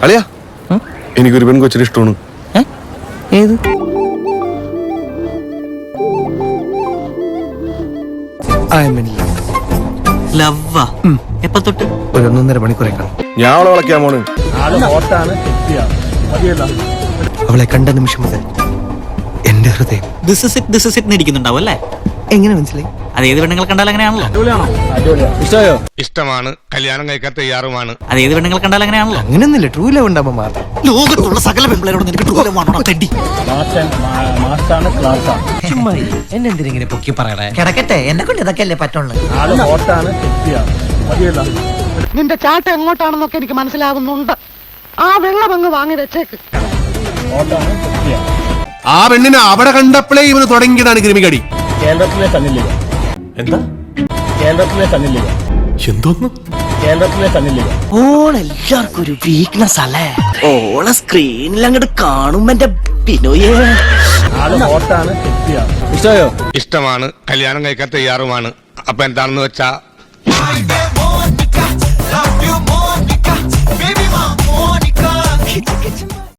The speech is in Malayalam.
അളിയാ എനിക്കൊരു പെൺകൊച്ചിന് ഇഷ്ടമാണ്. ഏത്? ലവ്വാ? എപ്പ തൊട്ട്? ഒരു 1.5 മണിക്കൂറെ കാണും. ഞാൻ അവളെ വിളക്കാൻ പോണ്. അവളെ കണ്ട നിമിഷം മുതൽ എന്റെ ഹൃദയം ദിസ് ഇസ് ഇറ്റ് ഇരിക്കുന്നുണ്ടാവും അല്ലേ? എങ്ങനെ മനസ്സിലായി? അത് ഏത് പെണ്ണുങ്ങൾ കണ്ടാൽ അങ്ങനെയാണല്ലോ. ഇഷ്ടമാണ്, കല്യാണം കഴിക്കാൻ തയ്യാറുമാണ്. അത് ഏത് പെണ്ണുങ്ങൾ കണ്ടാൽ അങ്ങനെയാണല്ലോ. അങ്ങനെയൊന്നുമില്ല, ട്രൂ ലവ് ഉണ്ടാകുമ്പോ മാത്രം. ലോകത്തുള്ള സകല പെൺപിള്ളേരോട് നിനക്ക് ട്രൂ ലവ് ആണോ തെണ്ടി? ചുമ്മാ എന്നെ എന്തിനെ പൊക്കി പറയണേ? കിടക്കട്ടെ, എന്നെ കൊണ്ട് ഇതൊക്കെ അല്ലേ പറ്റുള്ളൂ. നിന്റെ ചാട്ട എങ്ങോട്ടാണെന്നൊക്കെ എനിക്ക് മനസ്സിലാവുന്നുണ്ട്. ആ വെള്ളം അങ്ങ് വാങ്ങി വെച്ചേക്ക്. ആ പെണ്ണിനെ അവിടെ കണ്ടപ്പോഴേ ഇവന് തുടങ്ങിയതാണ് ക്രിമികടി. കേരളത്തിലെ സണ്ണിലിക. എന്താ? കേരളത്തിലെ സണ്ണിലിക. എന്തോന്ന്? കേരളത്തിലെ സണ്ണിലിക. ഓളെല്ലാവർക്കും ഒരു വീക്ക്നെസ് അല്ലേ? ഓളെ സ്ക്രീനിൽ അങ്ങോട്ട് കാണുമ്പോ എന്റെ പിന്നോയേ ആള് ഹോട്ടാണ്, സെക്സിയാണ്. ഇഷ്ടമാണ്, കല്യാണം കഴിക്കാൻ തയ്യാറുമാണ്. അപ്പൊ എന്താണെന്ന് വെച്ചാ